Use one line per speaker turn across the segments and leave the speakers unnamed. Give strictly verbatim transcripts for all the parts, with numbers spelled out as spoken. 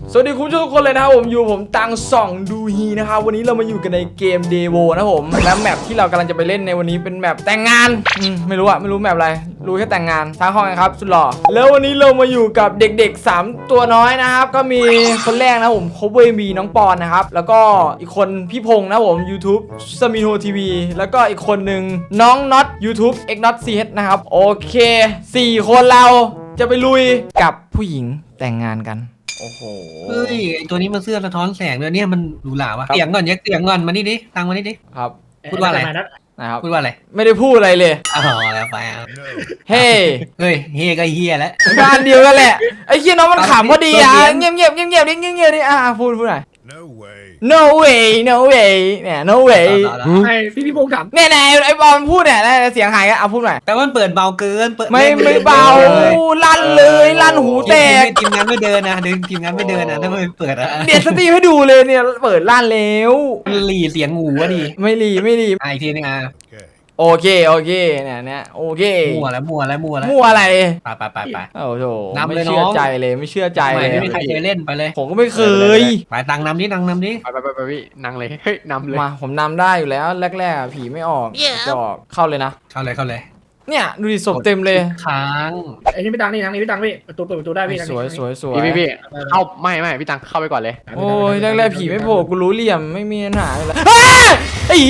สวัสดีคุณผู้ชมทุกคนเลยนะครับผมอยู่ผมตังส่องดูฮีนะครับวันนี้เรามาอยู่กันในเกมเดโวนะผมและแมปที่เรากำลังจะไปเล่นในวันนี้เป็นแมปแต่งงานอืมไม่รู้อะไม่รู้แมปอะไรรู้แค่แต่งงานทางห้องนะครับสุดหล่อแล้ววันนี้เรามาอยู่กับเด็กๆสามตัวน้อยนะครับก็มีคนแรกนะผมโคเวมีน้องปอนนะครับแล้วก็อีกคนพี่พงษ์นะผม YouTube สมิโนทีวีแล้วก็อีกคนหนึ่งน้องน็อต YouTube X Not ซี เอช นะครับโอเคสี่คนเราจะไปลุยกับผู้หญิงแต่งงานกันโอ้โห
เฮ้ยไอตัวนี้มันเสื้อสะท้อนแสงเลยเนี่ยมันหรูหราวะเสียงก่อนแยกเสียงก่อนมานี่ดิตังมานี่ดิ
ครับ
พูดว่าอะไร
นะครับ
พูดว่าอะไร
ไม่ได้พูดอะไรเลย
อ๋อแล้วไปอ่ะ
เฮ้
เฮ้ยเฮก็เฮียแล้ว
งานเดียวกันแหละไอ้เคียน้องมันขำพอดีอ่ะเงียบเงียบเงียบเงียบดิเงียบเงียบดิอ่ะพูดพูดหน่อย
No way.
no way no way เนี่ย no way
ไอพี่พี่พงษ์ถาม
เนี่ยไหนไอ้บอลพูดเนี่ยเสียงหายกันเอาพูดหน่อย
แต่ว่ามันเปิดเบาเกินเปิด
ไม่ไม่เบาลั่นเลยลั่นหูแตก
ทีมงานไม่เดินนะเดินทีมงานไม่เดินนะถ้าไม่เปิดอ่ะ
เดี๋ยวสตรีมให้ดูเลยเนี่ยเปิดลั่นแล้ว
หลีเสียงหูวะดิ
ไม่รีไม่รี
อ่ะอีกทีนึงอ่ะ
Okay.
โอเคโอเคเนี่ยเนี่ยโอเค
มั่วแล้วมั่วแล้วมั่วแล้ว
มั่วอะไร
ไปไปไปไป
โอ้โห
นำ
ไม่
เลยน้อง
เชื่อใจเลยไม่เชื่อใจ
ไม่
เลย
ไม่มีใครเคยเล่นไปเลย
ผมก็ไม่เคย
ไปตังนำดิตังนำดิ
ไปไปไปไปพี่นั่งเลยเฮ้ยนำเลย
มาผมนำได้อยู่แล้วแรกๆอะผีไม่ออกจะออกเข้าเลยนะ
เข้าเลยเข้าเลย
เนี่ยดูดิศพเต็มเลย
ค้าง
ไอ้นี่พี่ตังนี่ตังนี่พี่ตังพี่ประตูเปิดประตูได้พี่
สวยสวยสวย
พี่พี่พี่เข้าไม่ไม่พี่ตังเข้าไปก่อนเลย
โอ้ยแรกๆผีไม่โผล่กูรู้เหลี่ยมไม่มีปัญหาเลยอ้าไอ้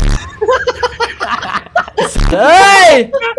เฮ้ย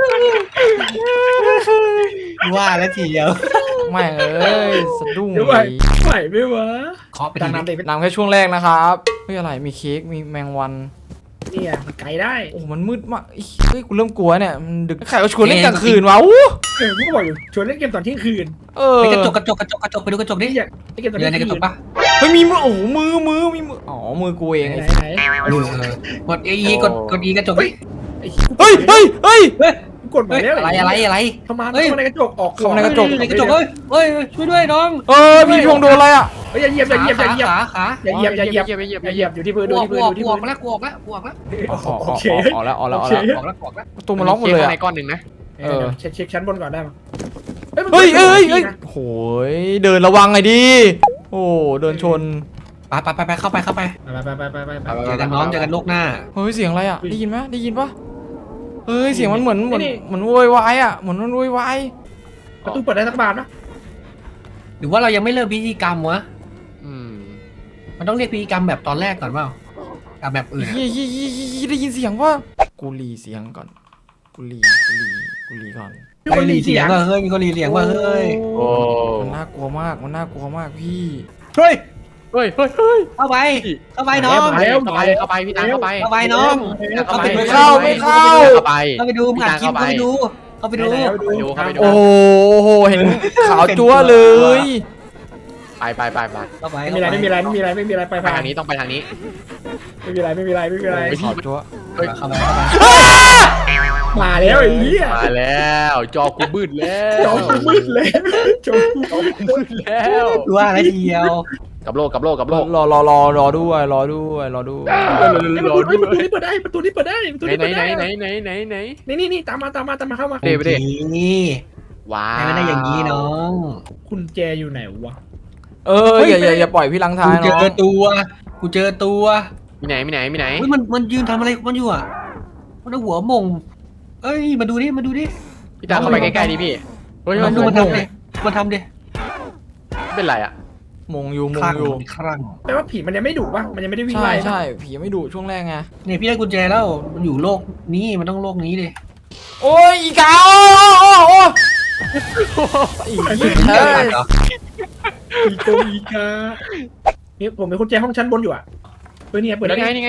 ว่าแล้วทีเดียว
ไม่งเอ้ยสะดุ้ง
เดี๋ยวไหวไหวไม่วะ
เคาะไป
ตัง
ที
น้ำเด็ก
นำแค่ช่วงแรกนะครับเฮ้ยอะไรมีเค้กมีแมงวัน
นี่อ่ะมันไกลได้
โอ้มันมืดมากเฮ้ยกูเริ่มกลัวเนี่ยมันดึกใครก็ชวนเล่นกลางคืนวะอู้
เออกูก็บอกอยู่ชวนเล่นเกมตอนเที่ยงคืน
เออ
ไปกระจกกระจกกระจกกระจกไปดูกระจกดิ
นี่อยากเล่นเกมตอน
เดิ
เที่
น
ยง
ในกระจ
คื
ก
น
ปะ
เฮ้ยมีมือโอ้โหมือมือมีมืออ๋อมือกูเอง
ไหน
ไอ้
ไหน
เออกดอีกดกดอีกระจกดิ
ไอ้
เฮ้ยเฮ้ยเฮ้ย
เฮ้ย
กดมาแล้ว
อะไรอะไรอะไร
เข้ามาเข้ามาในกระจกออก
เข้ามาในกระจก
ในกระจกเฮ้ยเฮ้ยช่วยด้วยน้อง
เออพี่พงษ์โดนอะไรอ่ะ
เฮ้ยอย่าเหยียบอย่าเหยียบอย่าเหยียบ
ขาขา
อย่าเหยียบอย่าเหยียบอย่าเหยียบอย่าเหยียบอยู่ที่พื้น
ก
ดู
วก
ที่
ก
พื้น
วก
ดูที่
กว
พื้
ก
น
แล้วกวกแล้วกวกแล้ว
โอเค
ออกแล้วออกแล้วออก
ก
แล้ว
วกแล้วกวกแล้ว
ประตูมันล็อกหมดเลย
ใน
อะ
ก้อนหนึ่งนะเออเช็คเช็คชั้นบนก่อนได้ไหม
เฮ้ยเฮ้ยเฮ้ยโหยเดินระวังไงดิโอ้เดินชน
ไปไปไปไปเข้าไปเข้าไป
ไปไปไปไปไป
เจอกันน้องเจอกันโลกหน้า
เฮ้ยเสียงอะไรอ่ะได้ยินไหมได้ยินปะเฮ้ยเสียงมันเหมือนเหมือนเหมือนโวยวายอ่ะเหมือนมันโวยวาย
ประตูเปิดได้สักบานนะ
หรือว่าเรายังไม่เริ่มพิธีกรรมวะ
อืม
มันต้องเรียกพิธีกรรมแบบตอนแรกก่อนเปล่ากับแบบอื่น
เฮ้ยเฮ้ยเฮ้ยเฮ้ยได้ยินเสียงว่ากูรีเสียงก่อนกูรีกูรีกูรีก่อน
มีคนรีเสียง
ว่าเฮ้ยมีคนรีเสียงว่าเฮ้ย
โอ้
มันน่ากลัวมากมันน่ากลัวมากพี่
เฮ้ย
เฮ้ยเฮ้ยเฮ้ย
เข้าไปเข้าไปน้อง
เข้าไปเข้าไปเข้าไปพี่ตังเข้าไป
เข้าไปน้อง
ไม่เข้าไม่เข้า
เข้าไป
เข้าไปดูมึงอัดคลิปเข้าไปดูเข้าไปดู
ไปดูเข้าไปดู
โอ้โหเห็นขาวจั๊วเลย
ไปไปไปไป
เข้าไป
ไม่มีอะไรไม่มีอะไรไม่มีอะไรไม่มีอะไรไปไปทางนี้ต้องไปทางนี้ไม่มีอะไรไม่มีอะไรไม่มีอะไร
ขาวจั๊ว
เฮ้ย
เข้าไปเข้าไป
มาแล้วไอ้เหี้ยมาแล้วจอกูมืดแล้วจอกูมืดเลยจอกูมืดแล้ว
ดูว่าอะไรเดียว
กับโลกกับโลกกับโลก
รอรอรอรอด้วยรอด้วยรอด้วย
ประตูนี้เปิดได้ประตูนี้เปิดได้ประตูไหนนี้ไหนเปิด ไหนได้ไหนไหนไหนไหนนี่นี่นี่ตามมาตามมาตามมาเข้ามาเดี๋ยวไปดิ
นี่
ว้า
ให้มันได้อย่างนี้น้อง
คุณแจอยู่ไหนวะ
เอออย่าอย่าอย่าปล่อยพี่ลังท้าย
กูเจ
น้อง
อตัวกูเจอตัว
มีไหนมีไหนมีไหน
เฮ้ยมันมันยืนทำอะไรมันอยู่อ่ะมันเอาหัวมงเอ้ยมาดูดิมาดูดิ
พี่ตาเข้าไปใกล้ๆดิพี่เฮ้ย
มันดู
มั
มัน นทำดิมันทำดิ
เป็นไรอ่ะ
มงอยู่ม
ค
ง
ลั่ง
อยู่
คลั่ง
แปลว่าผีมันยังไม่ดุป่ะมันยังไม่ได้วิ่ง
ใช่
ไล่
ใช่ผีไม่ดุช่วงแรกไง
เนี่ยพี่ได้กุญแจแล้วมันอยู่โลกนี้มันต้องโลกนี้ดิ
โอ้ยอีกาโอ้โอ้โอ้อีก
เฮ้ย
อีโกอีกานี่ผมเป็นคนแจห้องชั้นบนอยู่อ่ะเฮ้ยนี่เปิดแล้วนี่ไงนี่นี่ไง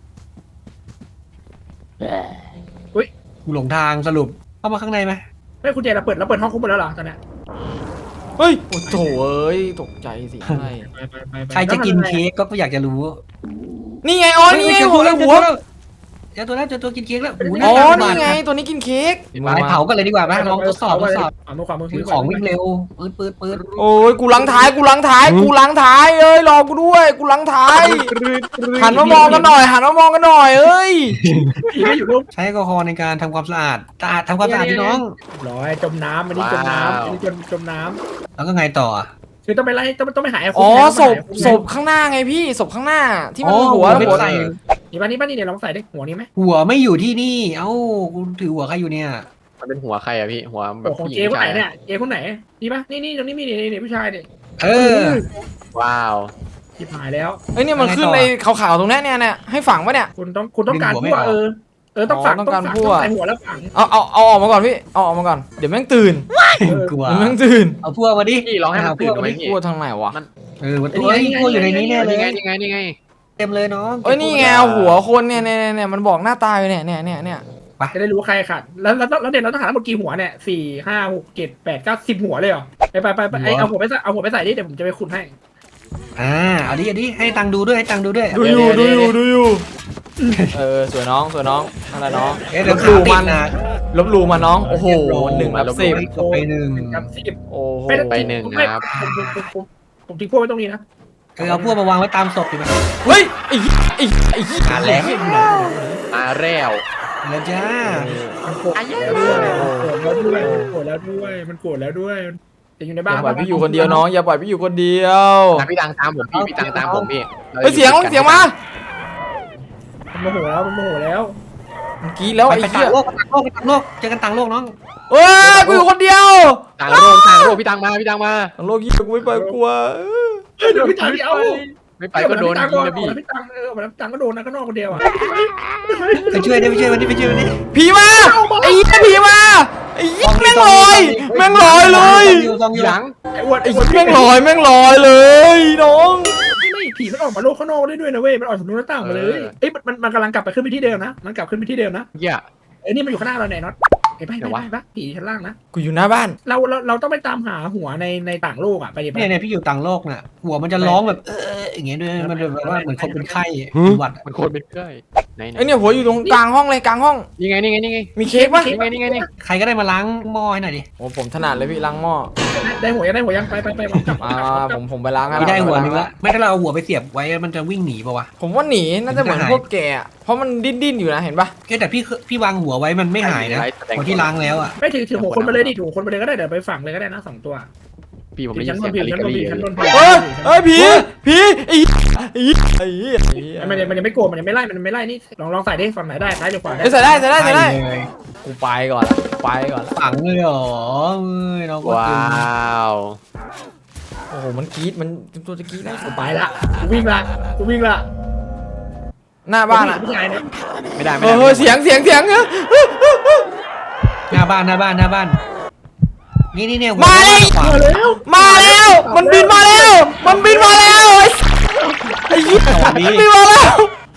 กูหลงทางสรุปเข้ามาข้างในไหม
ไม่คุณแจเราเปิดแล้วเปิดห้องคุกหมดแล้วเหรอตอนนี้
เฮ้ยโอ้โถเอ้ยตกใจสิใช่
ไปไปไป
ใครจะกินเค้กก็อยากจะรู้
นี่ไงอ๋อนี่ไงหัวหัว
เจอตัวแล้วเจอตัวกินเค้กแล้ว
อ๋อนี่ไงตัวนี้กินเค้ก
ไปเผากันเลยดีกว่าไหมลองทดสอบทดสอบ
เอามือขวามือ
ถือของวิ่งเร็วปืดปืดปืด
โอ้ยกูลังท้ายกูลังท้ายกูลังท้ายเอ้ยรอกูด้วยกูลังท้ายหันมามองกันหน่อยหันมามองกันหน่อยเอ้ย
ผีไม่อยู่รูป
ใช้แอลกอฮอล์ในการทำความสะอาดสะอาดทำความสะอาดพี่น้อง
ร้อยจมน้ำอันนี้จมน้ำอันนี้จมจมน้
แล้วก็ไงต่อ
ำ
คือต้องไปไล่ต้องต้องไปหาไอ้
อ๋อ
คุก
ศพ
แทน
ศพข้างหน้าไงพี่ศพข้างหน้าที่มัน
อ๋อ
หัว
ไม่
หัว
ใส่
นี่บ้านนี่บ้านนี่เดี๋ยวลองใส่ได้หัวนี้ไหม
หัวไม่อยู่ที่นี่ เอ้ากูถือหัวใครอยู่เนี่ย
มันเป็นหัวใครอะพี่หัวแบบ
หัวของ
ผู้หญิ
เจ
ง
คน
ผู้
ไหน
ชาย
เนี่ยเจคนไหนนี่ปะนี่นี่ตรงนี้มีนี่นี่ผู้ชายเนี่ย
เออ
ว้าว
ชิบหายแล้ว
เอ้ยเนี่ยมัน
อะไรต่อ
ขึ้นในขาวๆตรงเนี้ยเนี่ยเนี่ยให้ฝังปะเนี่ย
คุณต้องคุณต้องการ
ดึงหัวไม่
พั่ว
ออก
เออเออต้องฝัง
อ๋อต้
ต้
อ
อง ง
การ
ฝัง
พั่ว
ต้องใส่หัวแล้วฝัง
เอาเอาเอาออกมาก่อนพี่เอาออกมาก่อนเดี๋ยวแม่งตื่น
กลัว
เดี๋ยวแม่งตื่น
เอาพวกมาดิ
พี่ลองให้มันตื่นไหมพี่
กลัวทางไหนวะ
เออมันตัวไอ้พวกอยู่ในนี้แน่เล
นี่
ย
ไงนี่ไงนี่ไง
เต็มเลยน้อง
เอ้ยนี่ไงหัวคนเนี่ยเนี่ยเนี่ยเนี่ยมันบอกหน้าตาอยู่เนี่ยเนี่ยเนี่ยเนี่ย
จะได้รู้ว่าใครขาดแล้วแล้วแล้วเดี๋ยวเราต้องหาทั้งหมดกี่หัวเนี่ยสี่ห้าหกเจ็ดแปดเก้าสิบหัวเลยเหรอไปไปไปไปไอเอาหัวไปใส่เอาหัวไปใส่ดิเดี๋ยวผมจะไปขุดให้
อ่าเอาดิเอาดิให้ตังค์ดูด้วยให้ตังค์ดูด้วย
ดูอยู่ดูอยู่ดูอยู่เออสวยน้องสวยน้องอะไรน้อง
เอ๊ะ
ล
เดี๋ยว
บห
ขา
ลู่
ติ
มั
ด
น
นะ
ลบหลู่มาน้องโอ้โหหนึ่งรับสิบ
จบไปหนึ่ง
กับสิบ
โอ้โห
ไปหนึ่งครับ
ผมผมผมผมผมทิ้งพวกไว้ตรงนี้นะ
เออเอาพวกมาวางไว้ตามศพดีไหม
เฮ้ยไอ้ไอ้ไอ้
อ่าแล้ว
มาแล้ว
แล้วจ้า
มันโกรธแล้วด้วยมันโกรธแล้วด้วยมันโกรธแล้วด้วยมันโกรธแล้วด้วยจะอยู่ใน
อ
บ้าน
ย่าปล่อยพี่อยู่คนเดียวน้องอย่าปล่อยพี่อยู่คนเดียว
นะพี่ตังตามผมพี่พี่ตังตามผมพี่
เฮ้ยเสียงเสียงมา
มันโมโหแล้วมันโมโหแล้ว
เมื่อกี้แล้ว
ไป
ไอ้
ไปต่า
เหี้ย
งโลกไปต่างโลกไปต่างโลกเจอกันต่างโลกน้อง
เอ้ยกูอยู่คนเดียว
ต่างโลกต่างโลกพี่ตังมาพี่ตังมา
ทางโลกยี่กูไม่ไปกลัว
เฮ้ยเดี๋ยวพี่ตังเอา
ไม่ไปก็โดน
ตัง
ยิงนะพี่
พี่ตังเออพี่ตังก็โดนนะก็นอกคนเดียวอ่ะ
ไปช่วยดิไปช่วยมันดิไปช่วยมันดิ
ผีมาไอ้เหี้ยผีมาไอ้เหี้ยแม่งลอยแม่งลอยเลย
ซองอยู่
หลัง
ไอ้อ้วน
ไอ้
ไอ้อ้
เหี้
วย น
แม่งลอยแม่งลอยเลยน้อง
ไม่ไม่ผีมันออกมาโลกข้างนอกได้ด้วยนะเว้ยมันออกจากหน้าต่างมาเลยเอ้ยมันมันกำลังกลับไปขึ้นไปที่เดิมนะมันกลับขึ้นไปที่เดิมนะ
เหี้ย
ไอ้นี่มันอยู่ข้างหน้าเราไหนน็อตไอ้ไปไป
ไหนวะ
ไปผีชั้นล่างนะ
กูอยู่หน้าบ้าน
เราเราเราต้องไปตามหาหัวในในต่างโลกอ่ะไปดิไป
เนี่ยเนี่ยพี่อยู่ต่างโลกน่ะ หัวมันจะร้องแบบเอออย่างเงี้ยด้วยมันแบบว่าเหมือนคนเป็นไข้เป็นหวัด
มันโคนเป็นเกยไหนไหน
ไอ้เนี่ยหัวอยู่ตรงกลางห้องเลยกลางห้อง
นี่ไงนี่ไงนี่ไง
มีเค้กปะ
นี่ไงนี่ไงนี่
ใครก็ได้มาล้างหม้อให้หน่อยดิ
โอ้ผมถนัดเลยพี่ล้างหม้อ
ได้หัวยังได้หัวยังไปไปไปกลับ
อ่าผมผมไปล้างให้
ไม่ได้หัวนึง
แล้
ละไม่ถ้าเราเอาหัวไปเสียบไว้มันจะวิ่งหนีป่าวะ
ผมว่าหนีน่าจะเหมือน
หาย
พวกแกอะเพราะมันดิ้นดิ้นๆอยู่นะเห็นปะ
แค่แต่พี่พี่วางหัวไว้มันไม่หายนะหัวที่ล้างแล้วอ่ะ
ไม่ถือถือหัวคนมาเลยดิถือหัวคนมาเลยก็ได้เดี๋ยวไปฝังเลยก็ได้นะสองตัว
พี่ผมได้ยิ
ชั้
น
นบ
เสีย
น
ง
ผี
อะไร
ชั้น
กัน
บน
ดี
ผีชั้นบนผี
เฮ้ยเฮ้ยผีผีไอ้ไอ้ไอ้ไอ้
มันยังมันยังไม่โกรธมันยังไม่ไล่มันไม่ไล่นี่ลองลองใส่ดิฝั่งไหนได้ซ้ายหรือขวาได้
เอ้ยใส่ได้ใส่ได้ใส่ได้
เลย
กูไปก่อนละไปก่อนละ
ฝังเลยเหรอเอ้ยน้องก็
ว้
ตึง
าว
โอ้โหมันกรี๊ดมันตัวจะกรี๊ดแล้ว
กูไปละกูวิ่งละกูวิ่งละ
หน้าบ้านอะ
ผู้ชายเนี่ย
ไม่ได้ไม่
เอ
ได้
อเฮ้ยเสียงเสียงเสียงเออ
หน้าบ้านหน้าบ้านหน้าบ้าน นี่นี่เนี่ยหัว
มาเลย
ขวา
มาแล้ว
มาแล้ว มันบินมาแล้ว มันบินมาแล้วไอ้ไอ้ยี่มันบินมาแล้ว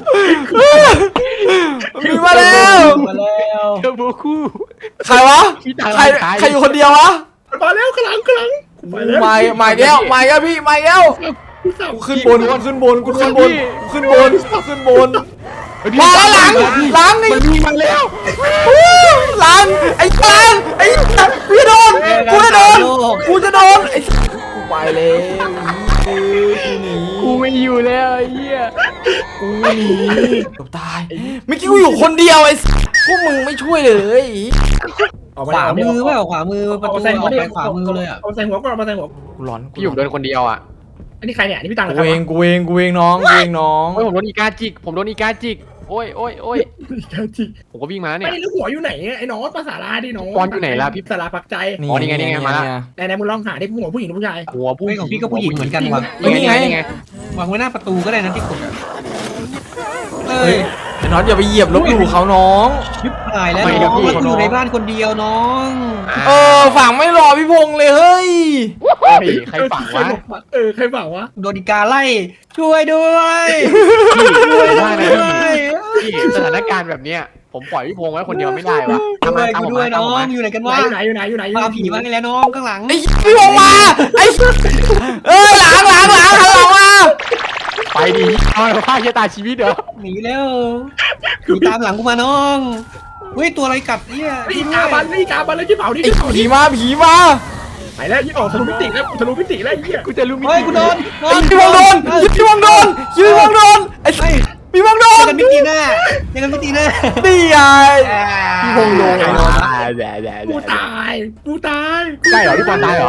มันบินมาแล้ว
มาแล้ว
เจอโบคู่
ใครวะ
พี่ตัง
ใครใครอยู่คนเดียววะ
มาแล้วข้างหลังข้างหลังกูไปแล้ว
มามาแก้วมาแก้วพี่มาแก้ว
กูสับ
กูขึ้นบนกูขึ้นบนกูขึ้นบนกูขึ้นบนกูขึ้นบนมาแล้วหลังหลังไอ้
มันมีมาแล้ว
หลังไอ้หลังไอ้กูจะโดนกูจะโดนกูจะโดนไอ้กูไปเลยกูหนี
กูไม่อยู่แล้วไอ้เหี้ย
กูหนีเกือบตายเมื่อกี้กูอยู่คนเดียวไอ้พวกมึงไม่ช่วยเลย
ออก
ขวามือเปล่าขวามือประตู
เอาใส่
อ
หั
อ
ว
ก
ดิ
ไปขวามือเลยอ่ะ
เอาใส่หัวก่อนเอาใส่หัว
กูร้อน
พี่อยู่โดนคนเดียวอ่ะ
อันนี้ใครเนี่ยอันนี้พี่ตังเหรอ
กูเองกูเองกูเองน้องกูเองน้อง
โอ้ยผมโดนอีกาจิกผมโดนอีกาจิกโอ้ยโอ้ยโอ้ย
จริง
ผมก็วิ่งมาแล้ว
ไม่
เนี่ย
แล้วหัวอยู่ไหนไอ้น้องภาษาลาดิน้อง
ปอนอยู่ไหนล่ะพี่
สาราพักใจ
อ๋อนี่ไงนี่ไงมาละ
ไหนไหนมึงลองหาดิหัวผู้หญิงหรือผู้ชาย
หัวผู้
เฮ้ยของพี่ก็ผู้หญิงเหมือนกันว่ะ
นี่ไงนี่ไง
วางไว้หน้าประตูก็ได้นะที่กดอะเอ้
เฮ้
ย
ยไอ้น็อตอย่าไปเหยียบลบหลู่เขาน้อง
ชิบหายแล้วน้องมันอยู่ในบ้านคนเดียวน้อง
เออฝั่งไม่รอพี่พงษ์เลยเฮ้ย
เฮ้ยใครฝังวะ
เออใครฝังวะ
โดนอีกาไล่ช่วยด้วย
พี่ช่วยได้นะ
ช่วย
พี่พี่สถานการณ์แบบเนี้ยผมปล่อยพี่พงษ์ไว้คนเดียวไม่ได้วะ
ช่
ทำ
วย
มาตาม
กู
ผม
ด้วย
มาตาม
น้
ผ
อ
ม
ง
มา
อยู่ไหนกันวะ
ไหนอยู่ไหนอยู่ไหนอยู่ไหน
พาผีมาให้แล้วน้องข้างหลัง
ไอ้พี่พงษ์มาไอ้เอ้ยหลังหลังหลังหันหลังมา
ไปดิเอาผ้าเชะตาชีวิตเหรอ
หนีแล้วผีตามหลังกูมาน้องเฮ้ยตัวอะไรกัดเนี่ย
อีกาบันอีกาบันเลยที่เผาดิ
ไอ้
ที่เผา
ผี
ดิ
มาผีมา
ไปแล้วยี่ออกทะลุมิติแล้วทะลุมิติแล้วไอ้เหี้ย
กูจะรู้มิ
เฮ้ยกูโดน
ไอ้พี่พงษ์โดนพี่พงษ์โดนพี่พงษ์โดนไอ้
เฮ้ย
พี่พงษ์โด
เจอน กันไม่ตีหน้าเจอกันไม่ตีหน้า
นี่ไง พี่พงษ์โดน
แย่แย่
กูตายกูตาย
ใช่เหรอพี่บอลตายเหรอ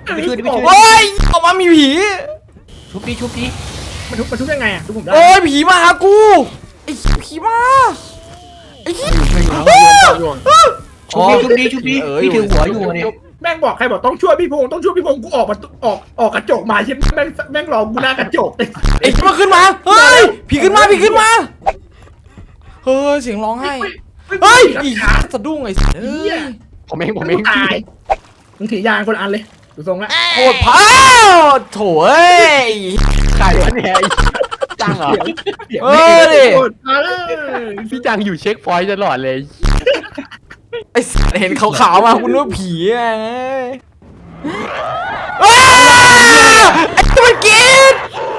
ไปช่วยดิไปช่วย
โอ้ยออกมามีผี
ชุบดิชุบดิ
มันทุบมันทุบยังไงอ่ะทุบผมได้
โอ้ยผีมาหากูไอ้ผีมาไอ้เหี้ย
ชุบดิชุบดิชุบดิพี่ถือหัวอยู่เนี่ย
แม่งบอกใครบอกต้องช่วยพี่พงษ์ต้องช่วยพี่พงษ์กูออกมาออกออกกระจกมาใช่ไหมแม่งแม่งรอกูหน้ากระจก
ไอ้ผีมาขึ้นมาเฮ้ยผีขึ้นมาผีขึ้นมาเฮ้ยเสียงร้องไห้เฮ้ยอีสะดุ้งไอ้เฮ้ย
ผมเองผมเอง
ตายมึงถือยางคนละอันเลยดูทรงละ
โคตรพาวโถ่เอ้ย
ใครวะเนี่ยจังเหรอ
เออดิ
มาเลย
พี่จังอยู่เช็คพอยต์ตลอดเลย
ไอ้เห็นขาวๆมาคุณนึกว่าผีไงอ้าไอ้ตัวมันกิน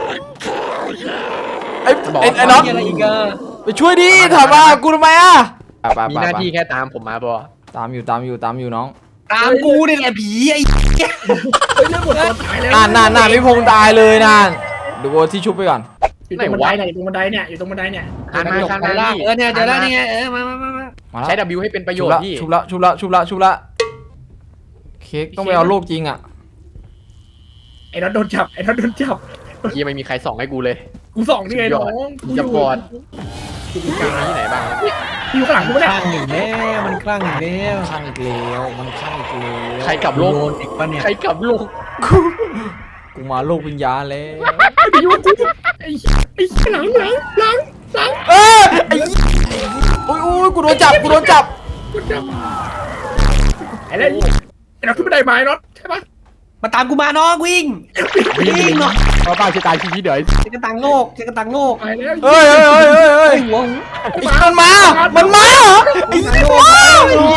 ไอ้ไอ้ไอ้น็อต
อะไรอีกอะ
ไปช่วยดิถามมากูทำไมอ่ะ
มีหน้าที่แค่ตามผมมาบอ
ตามอยู่ตามอยู่ตามอยู่น้อง
ตามกูนี่แหละผีไอ้
เฮ้ยเรื่องหมดตัวตายแล้ว
น่านน่านน่านพี่พงษ์ตายเลยน่านเดี๋ยวกูที่ชุบไปก่อน
อยู่ตรงบันไดเนี่ยอยู่ตรงบันไดเนี่ยอยู่ตรงบันไดเนี่ย
คานมาคานมา
เออเนี่ยเดี๋ยวแล้วนี่ไงเออมามามามา
มาแล้ว
ใช้ W ให้เป็นประโย
ชุ
ช
บ
น์
ละ
พี่
ชุบละชุบละชุบละชุบละเค้กต้องไปเอาโลกจริงอ่ะ
ไอ้น็อตโดนจับไอ้น็อตโดนจับ
พี่ไม่มีใครส่องให้กูเลย
กูส่องนี่ไงน้อง
จะบอด มีที่ไหนบ้าง
อยู่ข้างหลังกูไม่
ค
ได้
ลั่งอีกแล้วมันคลั่งอีกแล้ว
ข้างอีกแล้วมันข้างอีกแล้ว
ใครกลับโลก
โดนอีกปะเนี่ย
ใครกลับโลก
กูมาโลกวิญญาณแล้ว
ไปอยู่กูไอ้ไอ้หลังหลังหลังหลัง
เออไอ้โอ้ยโอ้ยกูโดนจับกูโดนจับ
กูจับไอ้แล้วไอ้น็อตขึ้นบันไดมาไอ้น็อตใช่ปะ
มาตามกูมาน้องวิ่งวิ่งเนาะ
เพราะป้าจะตายชีวิตเดี๋ยว
เจอกระตังโลกเจอกระตังโลก
ไปแล้ว
เฮ้ยเฮ้ยเฮ้ยเฮ้ยเฮ้ย
หัว
ไอ้มันมา มันมาเหรอไอ้ยี่ห้อ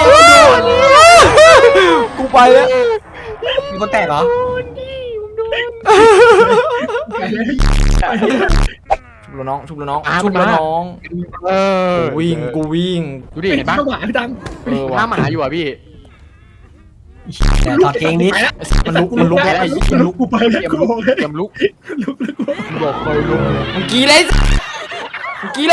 กูไปแล้ว
มีคนแตกเหรอ
ชุบแล้วน้องชุบแล้วน้องชุบแล้วน้อง
เออ
กูวิ่งกูวิ่ง
ดูดิเห็นปะ
เข้าหมาพี่ดัง
เออ
ถ้า
ว่ะ
หมาอยู่อ่ะพี่
แต่ถอดเกงนิด
ไปแล้ว
มันลุกมันลุก
ไป
แล้ว
แล้วมันลุกกูไปแล้ว
เตรียม
กู
ลุก
บอกเลย
เตรียมลุก
ลุกแล้วกู
บอกไปลุก
มึงกี้เลยมึงกี้เลย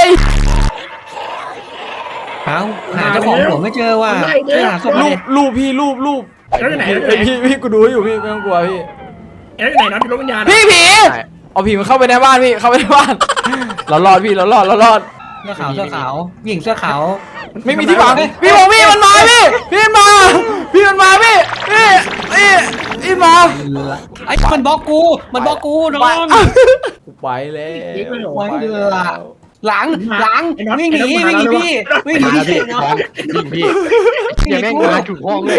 หาหาเจ้าของหัวไม่เจอว่ะหาศพ
รู
เล
ป
ย
รูปพี่รูปรูป
แล้วอยู่ไหนแล้วอยู่
ไอ
ไหน
พี่พี่กูดูให้อยู่พี่ไม่ต้องกลัวพี่
แล้วอยู่ไหนน็อตอยู่รถวิญญาณ
พี่ผีเอาผีมันเข้าไปในบ้านพี่เข้าไปในบ้านเรารอดพี่เรารอดเรารอด
เสื้อขาวเสื้อขาวหญิงเสื้อขาว
ไม่มีที่ฝังพี่บอกพี่มันมาพี่พี่มันมาพี่มันมาพี่พี่พี่พี่มา
ไอ้มันบล็อกกูมันบล็อกกูน้อง
กูไปแล้ว
ไว้ละหลังหลังวิ่งหนีวิ่งหนีพี่วิ่งหนี
มาพี่
พี่น้อง
วิ่งพี่อย่าแม่งมาถูกห้องเลย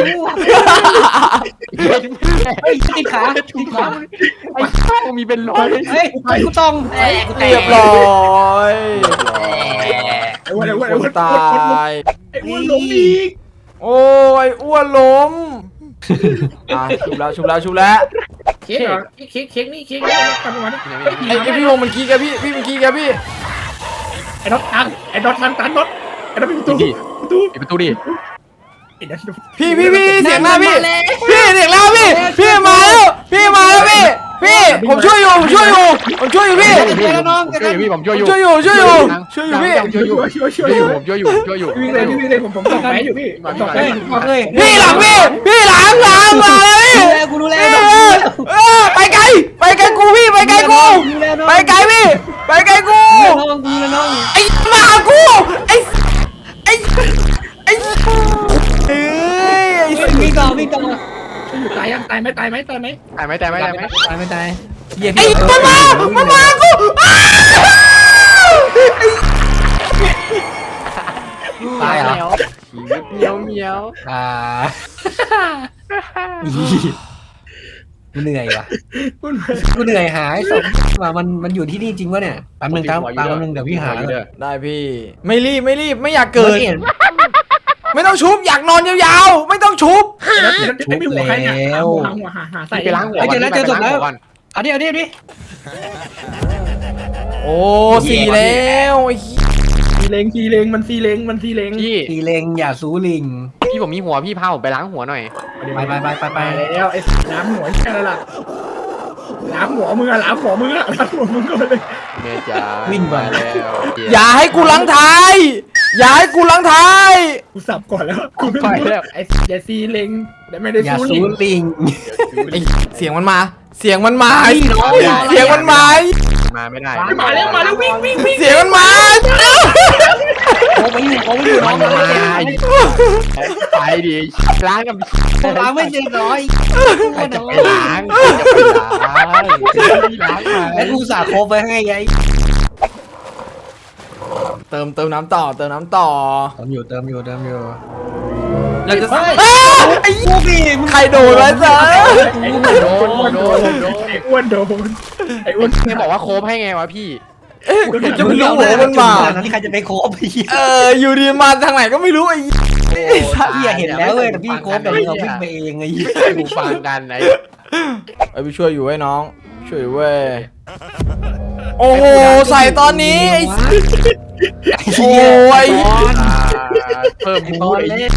เฮ้ยติดขาติดขา
ไอ้ช่องมีเป็นร้อย
เฮ้ยกูต้องกูแต
เรียบร้อย
ไอ้อ้วนไอ้อ้วนไอ้อ้วน
ตาย
ไอ้อ้วนล้มอีก
โอ้ยอ้วนล้มอ่ะชุบแล้วชุบแล้วชุบแล้ว
เค้กเหรอเค้กเค้กนี่เค้กนี่ทำมาดิ
ไอ้ไอ้พี่พงษ์มันกี้แกพี่พี่มันกี้แกพี่
ไอ้น็อตตันไอ้น็อตตันตันน็อตไอ้น็อตปิดประตูประตู
ปิดประตูดิ
ไอ้น็อต
พี่พี่พี่เสียงหน้าพี่พี่เสียงแล้วพี่พี่มาแล้วพี่มาแล้วพี่พี่ผมช่วยอยู่ผมช่วยอยู่ผมช่วยอยู่พี่
ช่วยอยู่พี่ผมช่วยอยู่
ช่วยอยู่ช่วยอยู่ช่วยอยู่พี่
ช่วยอยู่
ช่วยช่วย
ช่วยอยู่ผมช่วยอยู่ช่วยอยู่
วิ่งเลยวิ่งเลยผมผมส่องแผลอยู่พี่ส่องแผล
เฮ้ย
อยู่
บอกเลย
พี่หลังพี่พี่หลังหลังมาแล้วพี่
ดูแลกูดูแล
เออเออไปไกลไปไกลกูพี่ไปไกลกูไปไกลพี่ไปไกลกู
น้องกูแล้วน้อง
ไอ้มากูไอ้ไอ้ไอ้เอ้ย
วิ่งต่อวิ่งต่อ
อยู่ตายยังตายไหมตายไหมตายไหม
ตายไหมตายไหมตายไหม
ตายไม่ตายเหี้ย
ไอ้มันมามันมากู
ตายเหรอ
ชีวิตเมียวเมียว
อ่ากูเหนื่อยว่ะกูเหนื่อยหายศพว่ามันมันอยู่ที่นี่จริงวะเนี่ยแป๊บนึงครับแป๊บนึงเดี๋ยวพี่หา
ได้พี่ไม่รีบไม่รีบไม่อยากเกิด
เห็น
ไม่ต้องชุบอยากนอนยาวๆไม่ต้องชุบ
ไม่มีหัวใครเนี่ยหาหัวหาหัวหาหาใส่
ไปล้างหัวก่อน
เอาดิเอาดิเอาดิ
โอ้สี่แล้วไอ้
ซีเลงซีเลงมันซีเลงมันซีเลง
พี่
ตีเลงอย่าสูลิง
พี่ผมมีหัวพี่พาผมไปล้างหัวหน่อย
ไปไปไปไปไป
ไปแล้วไอ้น้ำหัวแค่นั้นแหละน้ำหัวมึงอะน้ำหัวมึงอะน้ำหัวมึงก็เลย
เมจ้ามาแล้ว
อย่าให้กูลังท้ายอย่าให้กูลังท้าย
กูสับก่อนแล้วกู
ไปแล้ว
ไอ้อย่าซีเลงแต่ไม่ได้
อย่า
สู้
ซู
ลิง
ลิง
ไอ้เสียงมันมา เสียงมันมา
ไอ้น้อง
เสียงมันมา
มาไม่ได้
มาแล้วมาแล้ววิ่งวิ่งวิ่ง
เสียงมันมา
โอ้ไปอยู่โอ้ไปอยู่น้
มั
อง
น
มา
มาไปดิล้างกับ
ผมล้างไม่เสร็จร้อย
ใครจะไปล้างใครจะไปล้างล้างมา
แล้วกูสาโคบไปให้ไง
เติมเติมน้ำต่อเติมน้ำต่อ
เติมอยู่เติมอยู่เติมอยู่
เราจะ
เฮ้ย
อ้าว
ไอ้พวกนี่
ใครโดนไว้ซะ
โดนโดนโดน
ไอ้อ้วนโดนไอ้อ้วน
แกบอกว่าโคบให้ไงวะพี่
เอ๊ะกูจะไม่รู้หัวมันมา
นั้นใครจะไปโคบพี่
เอออยู่ดีมาทางไหนก็ไม่รู้ไอ้
พี่เห็นแล้วเว้ยแต่พี่โคบแต่เราวิ่งไปเองไง
ไม่กูฟังกันไอ้
ไอ้พี่ช่วยอยู่ไว้น้อง ช่วยอยู่เว้ยโอ้โหใส่ตอนนี้ไอ้โอ้ย
เพิ่ม
ไอ้
บู
บอล
ไอ้
เล่น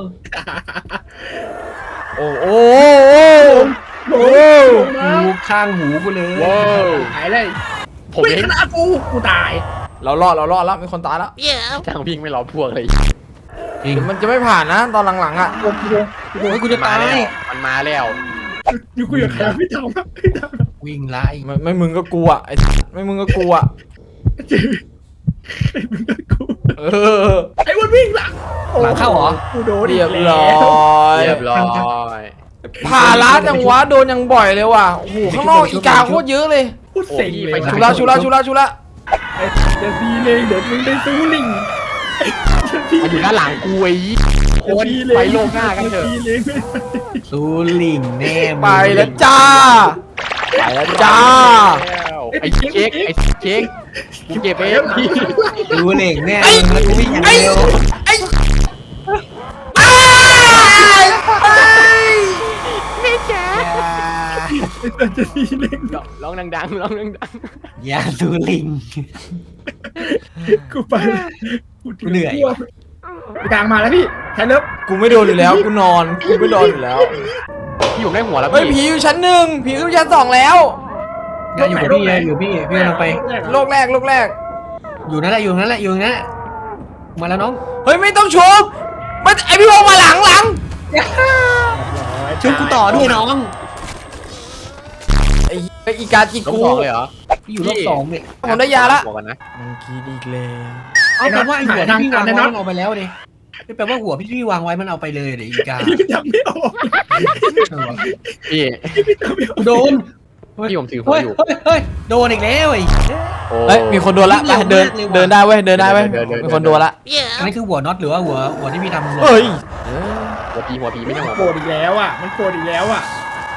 โอ้โหโอ้โห
หูข้างหูกูเลย
ว้าว
หายเลย
ผม
วิ่ง
เอง
ชนะกูกูตาย
เรารอดเรารอดแล้วมีคนตายแล้ว
ทางวิ่งไม่รอพวกเลย
จริง
เดี๋ยวมันจะไม่ผ่านนะตอนหลังๆอ่ะ
โอ้โห
โอ้ยกูจะ
มา
ตาย
แล้วมันมาแล้ว
อยู่กูอยู่ใครไม่ทำไม่ทำ
วิ่งไล่
ไม่ไม่มึงก็กลัวไอ้ไม่มึงก็กลัว
จืดไอ้มึงก็กู
เออ
ไอ้อ้วนวิ่งหลัง
หลังเข้าเหรอ
กูโดน
เรียบร้อย
เรียบร้อย
ผ่าล้าจังวะโดนยังบ่อยเลยว่ะโอ้โหข้างนอกอีกาโคตรเยอะเลย
พูดเสียงเลย
ชุละชุละชุละชุละ
เดี๋ยวดีเลยเดี๋ยวมึงได้สู้ลิง
มันอยู่ด้านหลังกูไอ้โคนไปโลกหน้ากันเถอะ
ดีเลย
ซูลิงแน่
ไปแล้วจ้าไปแล้วจ้า
ไอ้เค้กไอ้เค้กกูเก็บเองพี่
ซูลิงแน่แล้วกูวิ่งอย่างเดียว
ไอ้อ้ายเอ้ย
จะดีเลย
ร้องดังๆร้องดัง
อย่าซูลิง
กูไป
กูเหนื่อย
กลางมาแล้วพี่แทนเลิฟ
กูไม่โดนอยู่แล้วกูนอนกูไม่โดนอยู่แล้ว
ๆพี่ผมได้หัวแล้ว
เฮ้ย
พี่
ผีอยู่ชั้นหนึ่งผีอยู่ชั้นสองแล้ว
อย่าอยู่กับพี่อย่าอยู่พี่พี่กำลังไป
โลกแรกโลกแรก
อยู่นั่นแหละอยู่นั่นแหละอยู่นั่นแหละมาแล้วน้อง
เฮ้ยไม่ต้องชมมันไอพี่วงมาหลังหลัง
ช่วยกูต่อด้วยน้อง
ไอ้ไอ้อีกาจิ
ต้อง
กู
สองเลยเหรอ
พี่อยู่รอบสองเนี่ย
ผมได้ยาละ
บอกกันนะ
มันคิดอีกแล้ว
เอาแปลว่าไอ้หัวที่พี่วางไว้มันเอาไปแล้วดิแปลว่าหัวพี่พี่วางไว้มันเอาไปเลยเดี๋ยวอีกา
พี่จำไม่ออก
พี่
โดน
พี่ผมถือหัว
เฮ้ย
อยู่
เฮ้ยเฮ้ยโดนอีกแล้วไอ้
โอ้
เฮ้ยมีคนโดนละไปเดินเดินได้เว้ยเดินได้เว้ยมีคนโดนละ
อันนี้คือหัวน็อตหรือว่าหัวหัวที่พี่ทำ
เฮ้ย
หัวพีหัวพีไม่ใช่หัว
โกรธอีกแล้วอ่ะมันโกรธอีกแล้วอ่ะ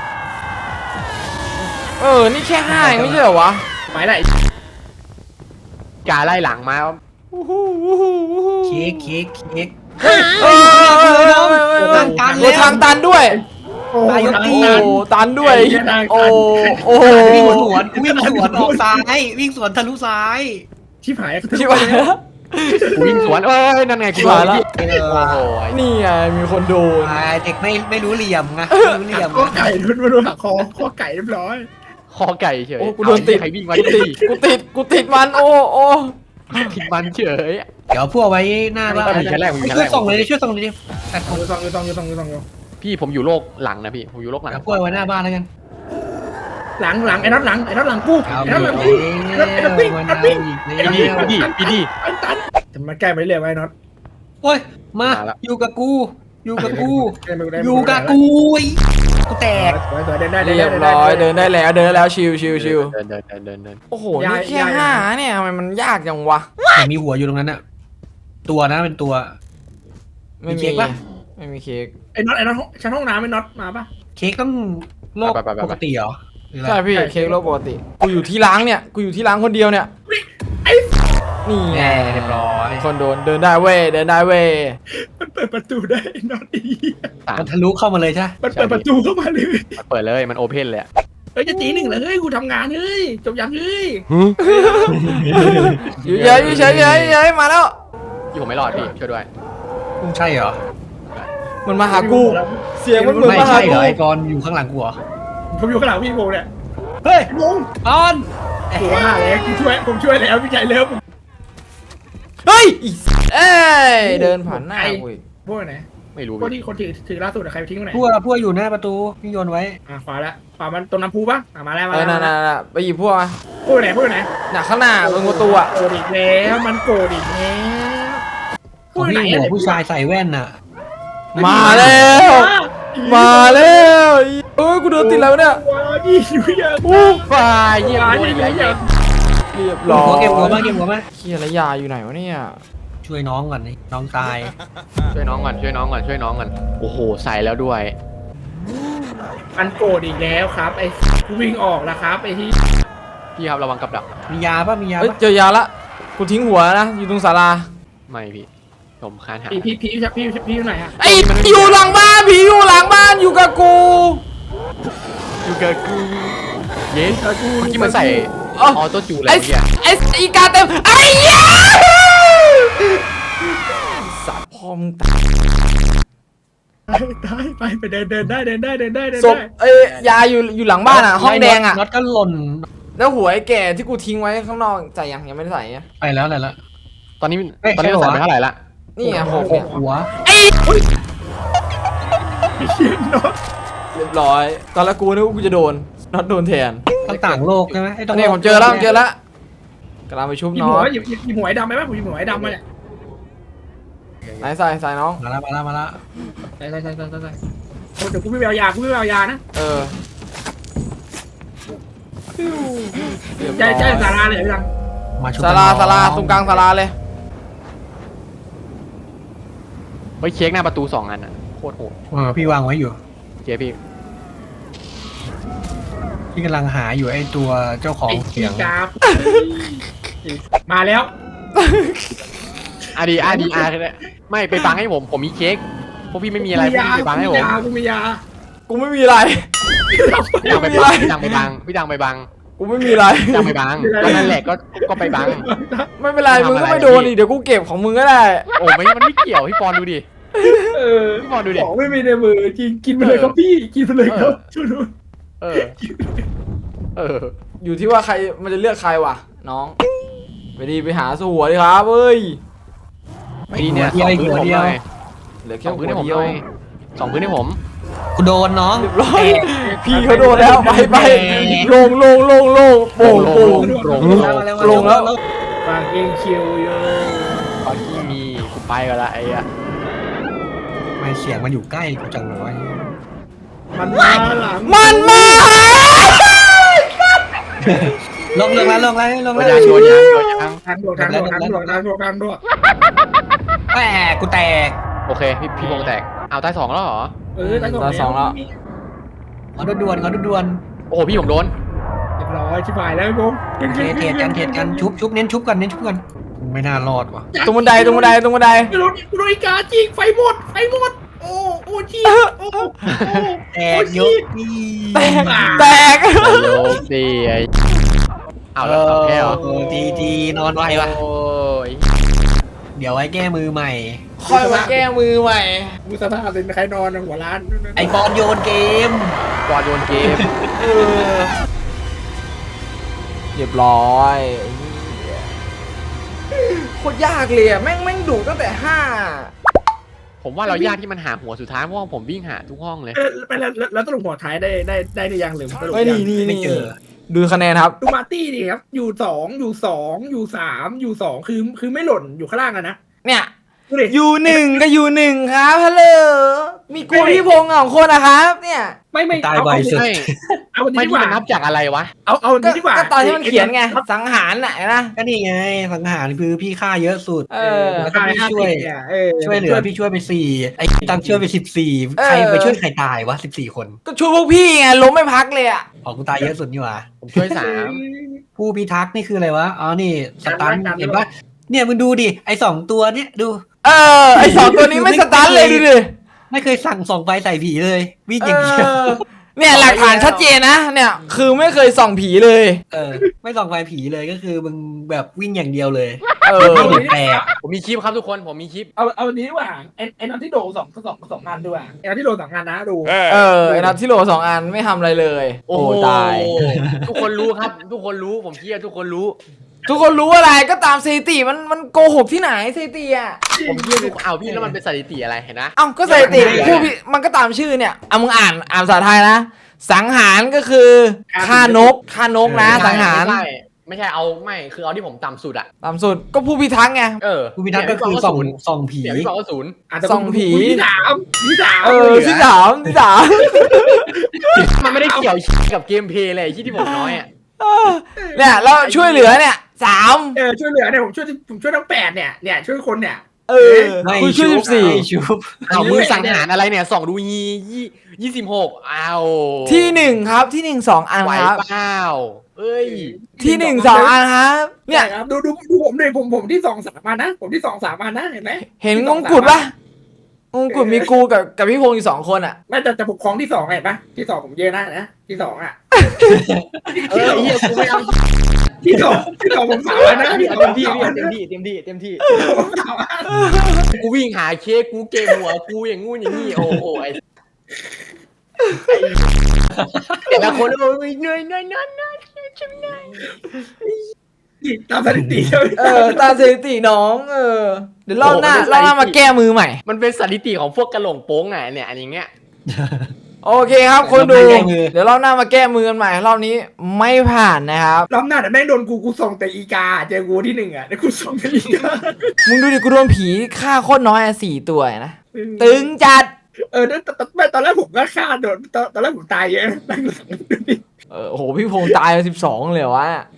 เออนี่แค่ห้าเองไม่ใช่เหรอวะ
ไปไหน
กาไล่หลังมา
เค้กเค้กเค้ก
เฮ้ยเออโดนทางตันด้วย
โอ้
ตายยกตี
โอ้ตันด้วยโอ้โอ้โห
วิ่งสวนวิ่งสวนออกซ้ายวิ่งสวนทะลุซ้าย
ชิบหาย
ชิบหายแล้ว
กูวิ่งสวนเอ้ยนั่นไงกู
ชิบหายแล้ว
โอ้โห
นี่ไงมีคนโดน
ตายเด็กไม่ไม่รู้เหลี่ยมไงไม่รู้เหลี่ยม
ข้อไก่โดนมาโดนหักคอข้อไก่เรียบร้อย
คอไก่เฉย
โอ้กูโดนติด
ใครวิ่งมา
กู
ตี
ติดกูติดกูติดมันโอ้โอ้
ติดมันเฉย
เดี๋ยวพวกไว้หน้าบ้าน
ไม่มีชั้นแรกไม่มีชั้นแรก
ช่วยส่งเลยดิช่วยส่งเลยดิแต่ผม
อยู่ซองอยู่ซองอยู่ซองอยู่ซองอยู่
พี่ผมอยู่โลกหลังนะพี่ผมอยู่โลกหลัง
เดี๋ยวพวกไว้หน้าบ้านแล้วกัน
หลังหลังไอ้น็อตหลังไอ้น็อตหลังกู
เอา
ไอ้น็อตหลัง
ไป
กูไอ้น็อตไอ้น็อตวิ่ง
มัน
ไอ้น็อต
เอา
วิ่ง
อีก
ไอ้นี่พี่ดิพี่ดิ
ไอ้ตันจะมาแก้ไปเรื่อยไว้น็อต
โอ้ยมา
มาละ
อยู่กับกูอยู่กับกู
ได้ไม่ได้
อยู่กับกูไอ้กูแตก
สวยสวยเดินได้
เรียบร้อยเดินได้แล้วเดินได้แล้วชิวชิวชิว
เดินเดินเดินเดินเดิน
โอ้โหนี่แค่ห้าเนี่ยทำไมมันยากจังวะ
ยังมีหัวอยู่ตรงนั้นน่ะตัวนะเป็นตัว
ไม่
มีเค้
มี
กปะ
ไม่มีเค้ก
ไอ้น็อตไอ้น็อตชั้นห้องน้ำไอ้น็อตมาปะ
เค้กต้องโลกปกติเหรอหรืออะไร
ใช่พี่เค้กโลกปกติกูอยู่ที่ล้างเนี่ยกูอยู่ที่ล้างคนเดียวเนี่ย
ไอ้
นี่ไง
แน่เรียบร้อย
คนโดนเดินได้เว้ยเดินได้เว้ย
มันเปิดประตูได้ไอ้น็อตอี
มันทะลุเข้ามาเลยใช่
มันเปิดประตูเข้ามาเลย
มันเปิดเลยมันโอเพนเลย
เฮ้ยจะตีหนึ่งเลยเฮ้ยกูทำงานเฮ้ยจบยังเฮ้ย
อยู่เฉยอยู่เฉยอยู่เฉยอยู่เฉยมาแล้ว
พี่ผมไม่รอดพี่ช่วยด้วย
ใช่เหรอ
มันมาหากูเสียงมันเหมือน
ไม่
มาหา
ใช่เหร
กู
อไอ้กรอยู่ข้างหลังกูเหรอ
ผมอยู่ข้างหลังพี่โบเนี่ย
เฮ้ย
พี่โบง
กร
หัวหน้าแล้วผมช่วยผมช่วยแล้วพี่ไก่เลิฟ
เฮ้ยอีเอ้ยเดินผ่านหน้ากูอีก
โบไหน
ไม่รู้
พวกที่คนถือถือล่าสุดใครไปทิ้งตรงไหน
พวกพวกอยู่หน้าประตูพี่โยนไว้
อ่ะขวาละขวามันตรงน้ำพุปะอ่ะมาแล้วมา
เออ
แล้ว
น่ะน่ะไปหยิบพวกมา
พูดไหนพูดไหน
น่ะข้างหน้าตรงประตูอ่ะ
โกรธอีกแล้วมันโกรธอีกแล้ว
ข อง
พูดไหน
พี่หัวผู้ชายใส่แว่นน่ะ
มาแล้วมาแล้วเอ้ยกูเดินติดแล้วเนี่ย
ว้าวยี่อยู่ยัง
อู้
ฝ่ายเยี่ยม
ว้าว
เล
ยี่
ย
อยู่ยัง
เรียบร้อย
หัวเก็บหัวมาเก็บหัวมา
เฮียระยาอยู่ไหนวะเนี่ย
ช่วยน้องก่อนนี่น้องตาย
ช่วยน้องก่อนช่วยน้องก่อนช่วยน้องก่อนโอ้โหใส่แล้วด้วย
มันโกรธอีกแล้วครับไอ้กูวิ่งออกแล้วครับไอ้ที่
พี่ครับระวังกับดัก
มียาป่ะมียา
เฮ้ย
ป่ะ
เจอยาละกูทิ้งหัวนะอยู่ตรงศาลา
ไม่พี่ผมคานหา
พี่พี่พี่พี่พี่พี่อยู่ไหนอะ
ไอ้อยู่หลังบ้านผีอยู่หลังบ้านอยู่กับกู
อยู่กับกูเย้เมื่อกี้มันใส่
เอ้า
ออโต้จูอะไร
ไอ้
เมื่อกี้
ไอ้อีกาเต็มไอ้เหี้ยสัตว์พ่อมึงตาย
ได้ไปไปเดินเดินได้เดินได้เดินได้เดิน
ศพ
ได้
เอ้ยยาอยู่อยู่หลังบ้านอ่ะห้องแดงอ่ะ
น็อตก็หล่น
แล้วหัวไอ้แก่ที่กูทิ้งไว้ข้างนอกใส่ยังยังไม่ได้ใส่อะ
ไปแล้วไหนละ
ตอนนี้
เอ้ย
ตอนนี้มัน
ใช่
ใส่
เหรอ
ไปเท่าไหร่ละ
นี่ไงหก
ห
เนี่ย
กหัว
ไอ้
เขียนน็อต
เรียบร้อยตอนแรกกูนึกว่ากูจะโดนน็อตโดนแทน
ต้องต่างโลกใช่ไหมไอ้ต้อง
นี่ผมเจอแล้วผมเจอแล้วกำลังไปชุบ
หยิบ
น้อ
หัว
ง
หยิบหยิบหยิบหัวไอ้ดำไหมไหมผมหยิบหัวไอ้ดำมาเนี่ย
ไหนใส่ใส่น้อง
มาละมาละมาละ
ใช่ใช่ใช่ใช่ใช่โอ้เดี๋ยวกูไม่ไปเอายากูไม่ไปเอายานะ
เออเรียบ
ใช่
ร้อย
ใช่สาราเลยพี่ดัง
มาชุบ
ศาลา
กันน้อง
ศาลาตรงกลางศาลาเลย
ไปเช็คหน้าประตูสองอันอ่ะโคตรโหด
เออพี่วางไว้อยู่
เจ๊พี่
พี่กำลังหาอยู่ไอ้ตัวเจ้าของ
ไอ้
เสี
ขี้
ยง
กาบมาแล้ว
อาดีอาดีอาร์ไม่ไปบังให้ผมผมมีเค้กพวกพี่ไม่มีอะไรพวกพี่ไปบังให้ผม
ยากูมียา
กูไม่มีอะไร
พี่ดังไปบังพี่ดังไปบังพี่ดังไปบัง
กูไม่มีอะไร
พี่ดังไปบังก็นั่นแหละก็ก็ไปบัง
ไม่เป็นไร
ทำอะไร
มึงก็ไม่โดนอีกเดี๋ยวกูเก็บของมึงก็ได้
โอ้ไม่มันไม่เกี่ยวพี่ปอนดูดิ
เออ
พี่ปอนดูดิ
ของไม่มีในมือจริงกินไปเลยครับพี่กินไปเลยครับช่วยดู
เออเออ
อยู่ที่ว่าใครมันจะเลือกใครวะน้องไปดีไปหาสู้หัวดิครับเอ้ย
ดีเนี่ยสองพื้นผมหน่อย
เหลือ
ส
แค่
อง
หั
พื้
วน
ให้ผม
เดี
ห
ยว
น่อยสองพื้นให้ผม
กูโดนน้อง
เรียบร้อยพี่เขาโดนแล้วไปไปลงลงลงลงโป่งโป่ง
โปร่ง
ลงแล้ว
ฟางเองคิวโย
ตอนที่มีกูไปกันละไอ้อะ
ไม่เสียงมันอยู่ใกล้กูจังเลย
มันมาหลัง
มันมา
ลงลงแล้วลงแล้วลง
โด
แล้ว
นยางโดนยางโดนยาง
ทางด่วนทางด่วนทางด่วนทางด่วนทางด่วน
แหมกูแตก
โอเคพี่พี่วงแตกเอาตายสองแล้วเหรอ
เออทางด่วน
ขอด่วนๆขอด่วน
โอ้โหพี่ผมโดน
เรียบร้อยชิบหายแล้วพี่ผม
ๆเทเทกันเทกันชุบชุบเน้นชุบกันเน้นชุบกันไม่น่ารอดว่ะ
ตรงบันไดตรงบันไดตรงบันได
กูโดนกูโดนอีกาจริงไฟหมดไฟหมดโอ้โอ้ชีโอ้
แตกเยอะพี่
แตกแตก
โลกดีไอ้เอาแล้วสองแก้ว
เออทีทีนอนไววะ
โอ้ย
เดี๋ยวไว้แก้มือใหม่
ค่อยมาแก้มือใหม่
กูสภาพเป็นใครนอนหัวร้าน
ไอบอลโยนเกม
บอลโยนเกม
เออเรียบร้อยโคตรยากเลยอะแม่งแม่งดุตั้งแต่ห้า
ผมว่าเรายากที่มันหาหัวสุดท้ายเพราะว่าผมวิ่งหาทุกห้องเลย
ไปแล้วแล้วตลกหัวท้ายได้ได้ได้หรือยังหรือตลก
เฮ้ยนี่นี่
ไม่
นี่
เจอ
ดูคะแนนครับ
ดูมาร์ตี้ดิครับอยู่สองอยู่สองอยู่สามอยู่สองคือคือไม่หล่นอยู่ข้างล่างอะนะ
เนี่ย
ดูดิ
อยู่หนึ่งก็อยู่หนึ่งครับฮัลโหลมีกูพี่พงษ์สองคนนะครับเนี่ย
ไม่ไม่
ตาย
เอา
ไว
เอา
สุด
ไม่
เอาวัน
ไม่
นี้ดี
ที่
กว่า
มันนับจากอะไรวะ
เอาเอาวัน
ก็
นี้ดีกว่า
ก็ตอนที่มันเขียนไงสังหารน่ะนะ
ก็นี่ไงสังหารคือพี่ฆ่าเยอะสุด
เออ
แล้วก็พี่ช่วย
เออ
ช่วยเหลือพี่ช่วยไปสี่ไอ้ตังช่วยไปสิบสี่ใครไปช่วยใครตายวะสิบสี่คน
ก็ช่วยพวกพี่ไงล้มไม่พักเลยอ่ะ
ออกกูตายเยอะสุดนี่หว่า
ผมช่วยสาม
ผู้พิทักษ์นี่คืออะไรวะอ๋อนี่สตันเห็นปะเนี่ยมึงดูดิไอ้สองตัวเนี่ยดู
เออไอสองตัวนี้ไม่สตาร์ทเลยดูดิ
ไม่เคยสั่งส่องไฟใส่ผีเลยวิ่ง
เอ
อย่างเดียว
อเนี่ยหลักฐานชัดเจนนะเนี่ยคือไม่เคยส่องผีเลย
เออไม่ส่องไฟผีเลยก็คือมึงแบบวิ่งอย่างเดียวเลย
เออ
ไม่เห็นแปลก
ผมมีคลิปครับทุกคนผมมีคลิป
เอาเอาวันนี้ดีกว่าไอ้ไอ้นอนที่โดสองสองสองงานด้วยไอ้นอนที่โดสองงานนะดู
เออไอนัทที่โหลสองอันไม่ทำอะไรเลย โอ้ตาย
ทุกคนรู้ครับ ทุกคนรู้ผมเชื่อทุกคนรู้
ทุกคนรู้อะไรก็ตามสถิติมันมันโกหกที่ไหนสถิติอ่ะ
ผมเยี่ยมดูเอาพี่แล้วมันเป็นสถิติอะไรเห็นนะ
เอ้าก็สถิติผู้พี่มันก็ตามชื่อเนี่ยเอามึงอ่านอ่านภาษาไทยนะสังหารก็คือฆ่านกฆ่านกนะสังหาร
ไม่ใช่ไม่ใช่เอาไม่คือเอาที่ผมต่ำสุดอะ
ตามสุดก็ผู้พิทักษ์ไง
เออ
ผู้พิทักษ์ก็คือส่องส่องผี
เดี๋ยวพี่บอกว่าศูนย์
อาจจะ
ส่องผี
ที่สามที่สาม
เออที่สามที่สาม
มันไม่ได้เกี่ยวกับเกมเพลย์เลยที่ที่ผมน้อยอะ
เนี่ยแล้วช่วยเหลือเนี่ยสาม
เออช่วยเหลือเนี่ยผมช่วยผมช่วยทั้งแปดเนี่ยเนี่ยช่วยคนเนี่ย
เออ
ไม่
คุณช่วยสิบสี่
ไม่ชุบ
เอามือสังหารอะไรเนี่ยส่องดูยี่ยี่ยี่สิบหกเอา
ที่หนึ่งครับที่หนึ่งสองอัน
ไหว
ครับ
เปล่าเอ้ย
ที่หนึ่งสองอันครับเนี่ย
ครับดูดูดูผมเลยผมผมที่สองสามอันนะ ผมที่สองสามอันนะเห็นไหม
เห็นงงกุฎปะงงกุฎมีกูกับกับพี่พงศ์อยู่สองคนอ่ะ
ไม่แต่จะปกครองที่สองเห็นปะที่สองผมเยอะนะนะที่สองอ่ะ
เออเฮียกูไม่เอา
ที่สองที่สองผมสามอันนะ
เต็มที่พี่เต็มที่เต็มที่เต็มที่
ผมสามอัน
กูวิ่งหาเค้กกูเกมหัวกูอย่างงู้นอย่างนี้โอ้โหไอ้แต่ละคนโอ้ยเหนื่อยเหนื่อยเหนื่อยเหนื่อยชิมเหนื่อย
ตามสถิติเลย
เออตามสถิติน้องเออเดี๋ยวรอบหน้ารอบหน้ามาแก้มือใหม่
มันเป็นสถิติของพวกกระโหลงโป้งไงเนี่ยอันอย่างเงี้ย
โอเคครับคนดูเดี๋ยวรอบหน้ามาแก้มือกันใหม่รอบนี้ไม่ผ่านนะครับ
รอบหน้าแต่แม่งโดนกูกูส่งแต่อีกาเจอกูที่หนึ่งอ่ะแล้วกูส่งแต่อีกา
มึงดูดิกูโดนผีฆ่าโคตรน้อยอะสี่ตัวนะตึงจัด
เออตอนตอนแรกผมก็ฆ่าโดนตอนแรกผมตายเยอะหลังๆ
เออโอ้โหพี่พงษ์ตายไปสิบสองเลยวะ